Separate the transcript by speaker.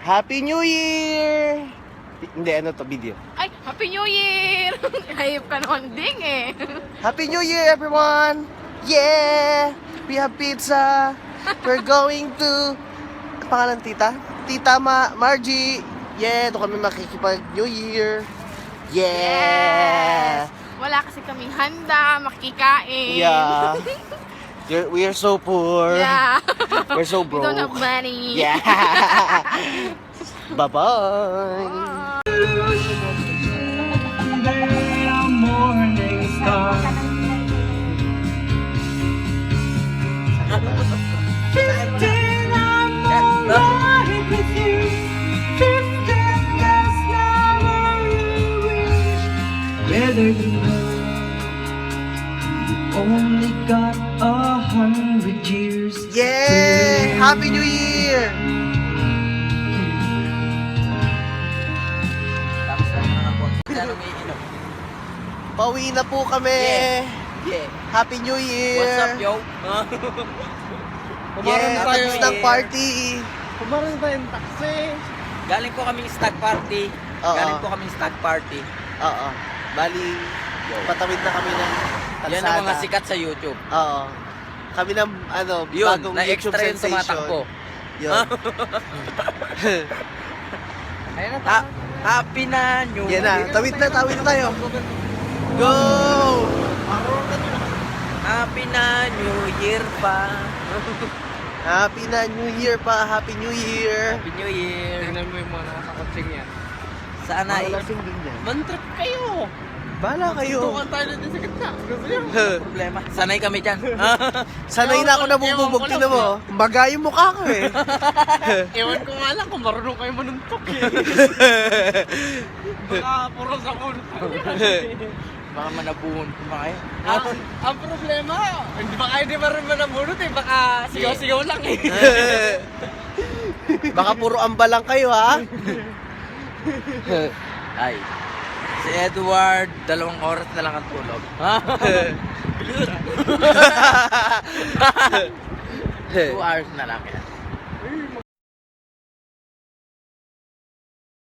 Speaker 1: Happy New Year! Hindi, ano to, video.
Speaker 2: Ay, Happy New Year! Hayop ka naman ding eh.
Speaker 1: Happy New Year, everyone! Yeah! We have pizza! We're going to... Ang pangalan, tita? Tita Margie! Yeah! Doon kami makikipag-New Year! Yeah!
Speaker 2: Wala kasi kaming handa, makikain.
Speaker 1: Yeah! We are so poor!
Speaker 2: Yeah.
Speaker 1: We're so
Speaker 2: We
Speaker 1: broke!
Speaker 2: don't have money.
Speaker 1: Yeah! Bye-bye!
Speaker 3: Whether you know you've only got 100 years.
Speaker 1: Yeah! Happy New Year! Pauwi na po kami!
Speaker 4: Yeah.
Speaker 1: Happy New Year!
Speaker 4: What's up, yo?
Speaker 1: Yeah, tapos ng party!
Speaker 5: Kumaroon tayong taxi.
Speaker 4: Galing po kaming stag party.
Speaker 1: Oo.
Speaker 4: Galing po kaming stag party.
Speaker 1: Oo. Bali, patawid na kami ng kalsada.
Speaker 4: Yan ang mga sikat sa YouTube.
Speaker 1: Oo. Kami ng,
Speaker 4: Yun,
Speaker 1: bagong YouTube
Speaker 4: na-extra yun
Speaker 1: sensation.
Speaker 4: tumatakbo.
Speaker 1: Yun.
Speaker 5: Ayun na
Speaker 4: Happy na New
Speaker 1: Yan na, tawid na tayo. Go!
Speaker 4: Happy na New Year pa.
Speaker 1: Happy na New Year pa! Happy New Year!
Speaker 4: Happy New Year.
Speaker 5: Tingnan mo yung mga nakakotsing yan.
Speaker 4: Sana
Speaker 1: Mga lasing din yan.
Speaker 5: Man-trip kayo.
Speaker 1: Bala kayo.
Speaker 5: Tukan tayo na din sa gitna. Gusto niyo?
Speaker 4: problema. Sanay kami dyan.
Speaker 1: Sanay na ako nabububog. Tinan mo. Baga yung mukha ko eh.
Speaker 5: Ewan ko nga lang kung marunong kayo manuntok eh. Baka puro sa ulo.
Speaker 4: Baka manabuhon ko ba kayo?
Speaker 5: Ang problema, hindi ba kayo di marunong manabunot eh. Baka sigaw-sigaw lang eh.
Speaker 1: Baka puro amba lang kayo ha.
Speaker 4: Ay. Si Edward, 2 oras na lang ang tulog. 2 hours na lang yan.